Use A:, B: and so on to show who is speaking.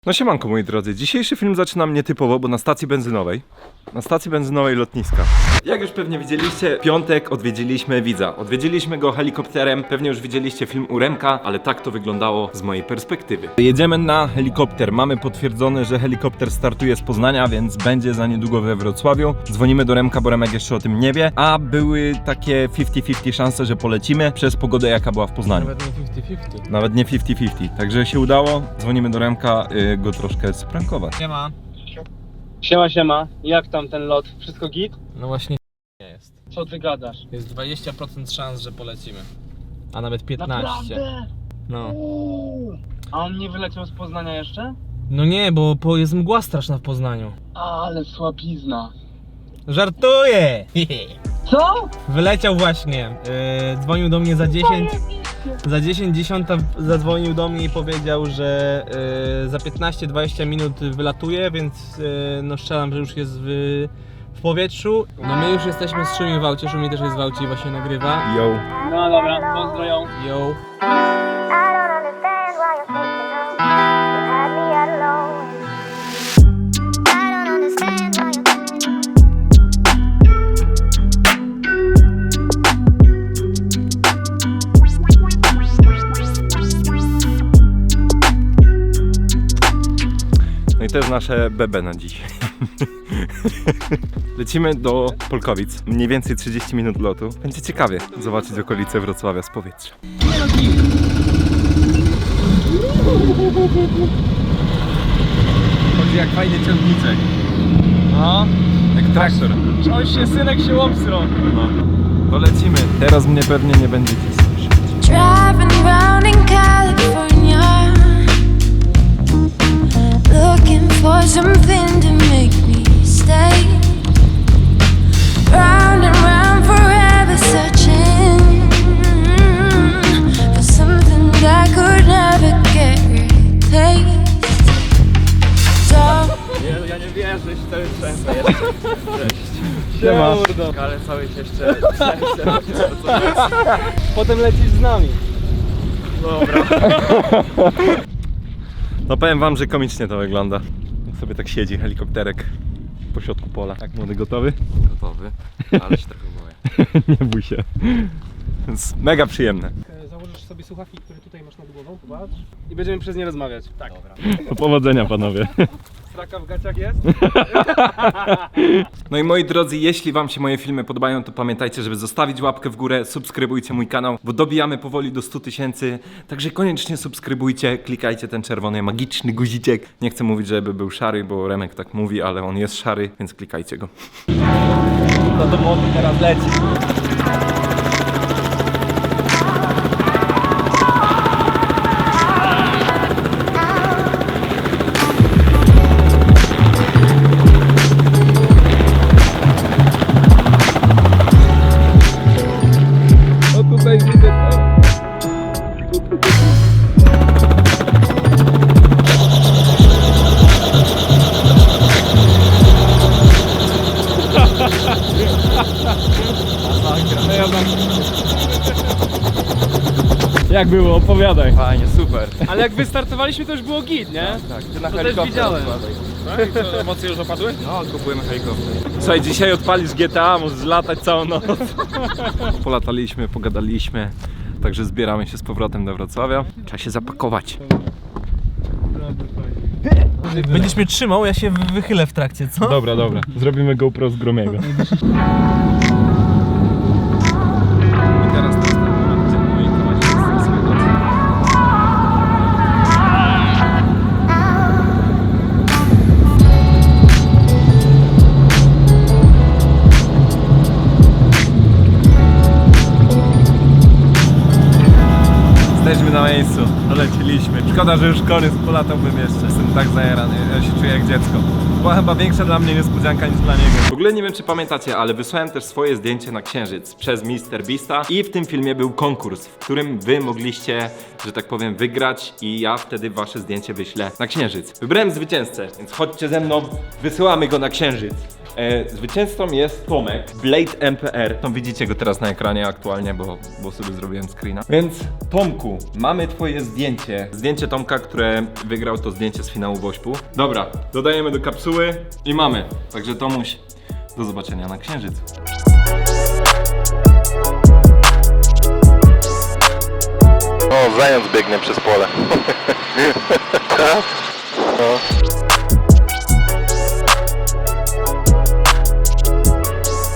A: No siemanko moi drodzy, dzisiejszy film zaczynam nietypowo, bo na stacji benzynowej lotniska. Jak już pewnie widzieliście, w piątek odwiedziliśmy widza. Odwiedziliśmy go helikopterem, pewnie już widzieliście film u Remka, ale tak to wyglądało z mojej perspektywy. Jedziemy na helikopter, mamy potwierdzone, że helikopter startuje z Poznania, więc będzie za niedługo we Wrocławiu. Dzwonimy do Remka, bo Remek jeszcze o tym nie wie, a były takie 50-50 szanse, że polecimy przez pogodę jaka była w Poznaniu. Nawet nie 50-50, także się udało, dzwonimy do Remka, go troszkę sprankować.
B: Siema.
C: Siema, jak tam ten lot? Wszystko git?
B: No właśnie nie jest.
C: Co ty gadasz?
B: Jest 20% szans, że polecimy. A nawet 15.
C: Naprawdę?
B: No.
C: A on nie wyleciał z Poznania jeszcze?
B: No nie, bo jest mgła straszna w Poznaniu.
C: Ale słabizna.
B: Żartuję!
C: Co?
B: Wyleciał właśnie. Dzwonił do mnie za 10. Za 10 zadzwonił do mnie i powiedział, że za 15-20 minut wylatuje, więc no strzelam, że już jest w powietrzu. No my już jesteśmy z Szumi w aucie, Szumi też jest w aucie i właśnie nagrywa.
A: Yo.
C: No dobra, pozdro ją.
B: Yo.
D: I don't understand why you're taking off. You had me at alone. I don't understand why you're
A: No i to jest nasze BB na dzisiaj. Lecimy do Polkowic. Mniej więcej 30 minut lotu. Będzie ciekawie zobaczyć okolice Wrocławia z powietrza. Chodzi jak fajny ciągniczek.
C: No.
A: Jak traktor.
C: Synek się obsrał.
A: No. To lecimy. Teraz mnie pewnie nie będziecie słyszeć.
D: driving round in California, looking for something to make me stay. Round and round forever, searching for something that I could never get replaced. So
C: Ja nie wierzę, że to jest często jeszcze.
A: Siema.
C: Ale cały się jeszcze Potem lecisz z nami. Dobra.
A: No powiem wam, że komicznie to wygląda. Jak sobie tak siedzi helikopterek po środku pola. Jak młody, gotowy?
E: Gotowy, ale się trochę boję.
A: Nie bój się. Więc mega przyjemne.
C: Założysz sobie słuchawki, które tutaj masz nad głową, popatrz. I będziemy przez nie rozmawiać. Tak. Dobra.
A: Do powodzenia panowie.
C: Straka w gaciach jest?
A: No i moi drodzy, jeśli wam się moje filmy podobają, to pamiętajcie, żeby zostawić łapkę w górę, subskrybujcie mój kanał, bo dobijamy powoli do 100 000, także koniecznie subskrybujcie, klikajcie ten czerwony magiczny guziczek. Nie chcę mówić, żeby był szary, bo Remek tak mówi, ale on jest szary, więc klikajcie go.
C: No to młody teraz leci.
A: No tutaj widzę. Jak było? Opowiadaj.
E: Fajnie, super.
C: Ale jak wystartowaliśmy, to już było git, nie?
E: Tak, ty na
C: To też
E: helikopter
C: widziałem.
E: odkładaj.
A: Tak? Co, emocje już opadły?
E: No, kupujemy helikopter.
A: Słuchaj, dzisiaj odpalisz GTA, możesz latać całą noc. Polataliśmy, pogadaliśmy, także zbieramy się z powrotem do Wrocławia. Trzeba się zapakować.
B: Będziesz mnie trzymał, ja się wychylę w trakcie, co?
A: Dobra. Zrobimy GoPro z Gromiego. I teraz to jest ten moment, gdzie moi towarzysze swojego. Jesteśmy na miejscu, doleciliśmy. Szkoda, że już Korys polatałbym jeszcze. Jestem tak zajarany, ja się czuję jak dziecko. Była chyba większa dla mnie niespodzianka niż dla niego. W ogóle nie wiem, czy pamiętacie, ale wysłałem też swoje zdjęcie na Księżyc przez MrBeasta i w tym filmie był konkurs, w którym wy mogliście, że tak powiem, wygrać i ja wtedy wasze zdjęcie wyślę na Księżyc. Wybrałem zwycięzcę, więc chodźcie ze mną, wysyłamy go na Księżyc. Zwycięzcą jest Tomek, Blade MPR. No, widzicie go teraz na ekranie aktualnie, bo sobie zrobiłem screena. Więc Tomku, mamy twoje zdjęcie. Zdjęcie Tomka, które wygrał to zdjęcie z finału Wośpu. Dobra, dodajemy do kapsuły i mamy. Także Tomuś, do zobaczenia na Księżycu.
F: O, zając biegnie przez pole.